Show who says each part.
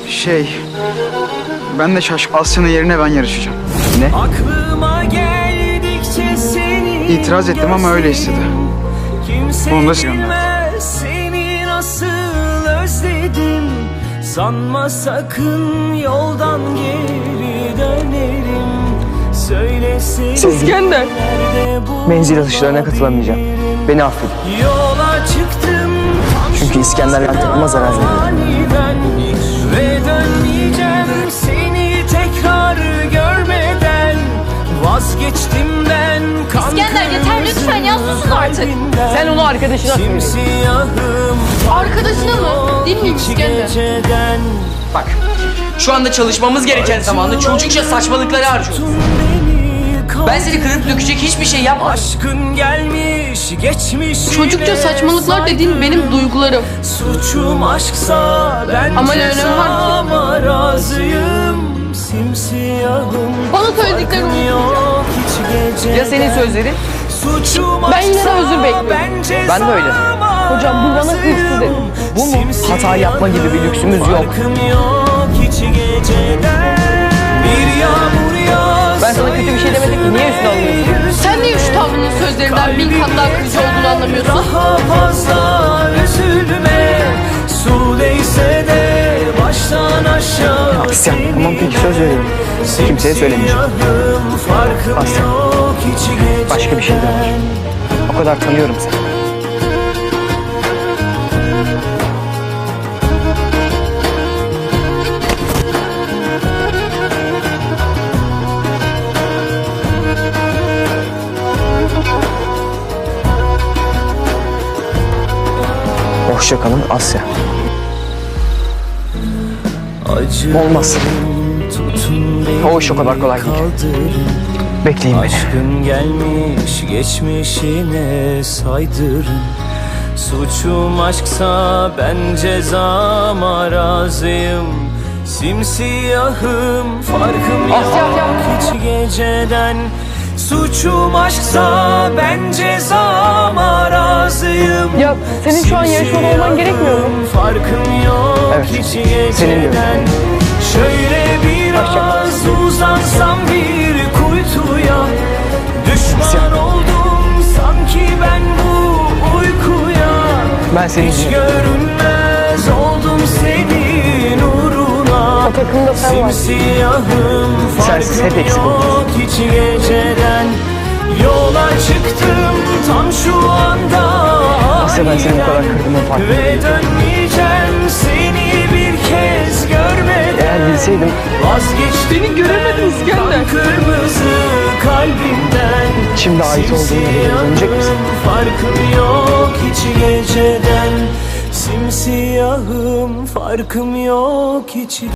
Speaker 1: Ben de Asya'nın yerine ben yarışacağım.
Speaker 2: Ne?
Speaker 3: Aklıma geldikçe seni
Speaker 1: İtiraz ettim ama öyle istedi.
Speaker 3: Kimse
Speaker 1: Onu da
Speaker 3: bilmez seni nasıl özledim. Sanma sakın yoldan geri dönerim. Söylesene
Speaker 2: İskender.
Speaker 3: nerede bu
Speaker 2: Menzil atışlarına katılamayacağım. Beni affedin.
Speaker 3: yola çıktım.
Speaker 2: Çünkü İskender yantığıma zarar veriyor.
Speaker 3: Aniden ve dönmeyeceğim seni tekrar görmeden. Vazgeçtim ben
Speaker 4: İskender, yeter lütfen ya, susun artık.
Speaker 2: Sen onu arkadaşına söyle.
Speaker 3: Simsiyahım
Speaker 4: Arkadaşına mı? Değil miyim İskender?
Speaker 3: geceden.
Speaker 5: Bak, şu anda çalışmamız gereken zamanda çocukça saçmalıkları harcıyorsun. Ben seni kırıp dökecek hiçbir şey yapmadım.
Speaker 3: Aşkın gelmiş geçmiş.
Speaker 4: Çocukça saçmalıklar dediğin benim duygularım.
Speaker 3: Suçum aşksa ben
Speaker 4: Ama ne önemi var ki?
Speaker 3: cezama razıyım. Simsiyahım
Speaker 4: Bana söylediklerini unutmayacağım.
Speaker 3: yok hiç gece.
Speaker 2: Ya senin sözlerin?
Speaker 3: Suçum
Speaker 4: Ben yine de özür bekliyorum.
Speaker 2: Ben de öyle.
Speaker 4: Hocam, bu bana hırsız dedi.
Speaker 2: Bu mu? Hata yapma gibi bir lüksümüz yok.
Speaker 3: Farkım yok hiç geceden. Bir yağmur yağsa
Speaker 2: Ben sana kötü bir şey demedim ki. Niye üstüne alıyorsun?
Speaker 4: Sen niye şu tavrının sözlerinden bin kat daha kırıcı olduğunu anlamıyorsun?
Speaker 3: daha fazla üzülme. Su değse de baştan aşağı.
Speaker 2: Asya, tamam peki, söz veriyorum. Kimseye söylemeyeceğim.
Speaker 3: Farkım
Speaker 2: Asya,
Speaker 3: yok hiç geceden.
Speaker 2: başka bir şey de var. O kadar tanıyorum seni. Hoşça kalın Asya. Olmaz. O iş o kadar kolay değil. Bekleyin beni.
Speaker 3: Aşkın gelmiş geçmişine saydırın. Suçum aşksa ben cezama razıyım. Simsiyahım farkım yok hiç geceden. Suçum aşksa ben cezama razıyım.
Speaker 6: Ya senin şu an yarışmada olman gerekmiyor mu?
Speaker 3: Farkım yok
Speaker 2: Evet,
Speaker 3: hiç
Speaker 2: senin de öyle.
Speaker 3: geceden. Şöyle biraz uzansam bir kuytuya. Düşman oldum sanki ben bu uykuya.
Speaker 2: Ben senin
Speaker 3: Hiç
Speaker 2: için.
Speaker 3: görünmez oldum senin uğruna.
Speaker 6: O takımda sen varsın.
Speaker 3: Simsiyahım
Speaker 2: Sensiz hep
Speaker 3: farkım
Speaker 2: eksik oldum.
Speaker 3: yok hiç geceden. Yola çıktım tam şu anda.
Speaker 2: Asya, ben seni bu kadar
Speaker 3: aniden.
Speaker 2: kırdığımın farkındayım.
Speaker 3: Ve dönmeyeceğim seni bir kez görmeden.
Speaker 2: Eğer bilseydim
Speaker 3: Vazgeçtim
Speaker 4: Beni göremedin İskender.
Speaker 3: kan kırmızı kalbimden.
Speaker 2: şimdi ait olduğum yere dönecek misin?
Speaker 3: Farkım yok hiç geceden. Simsiyahım farkım yok hiç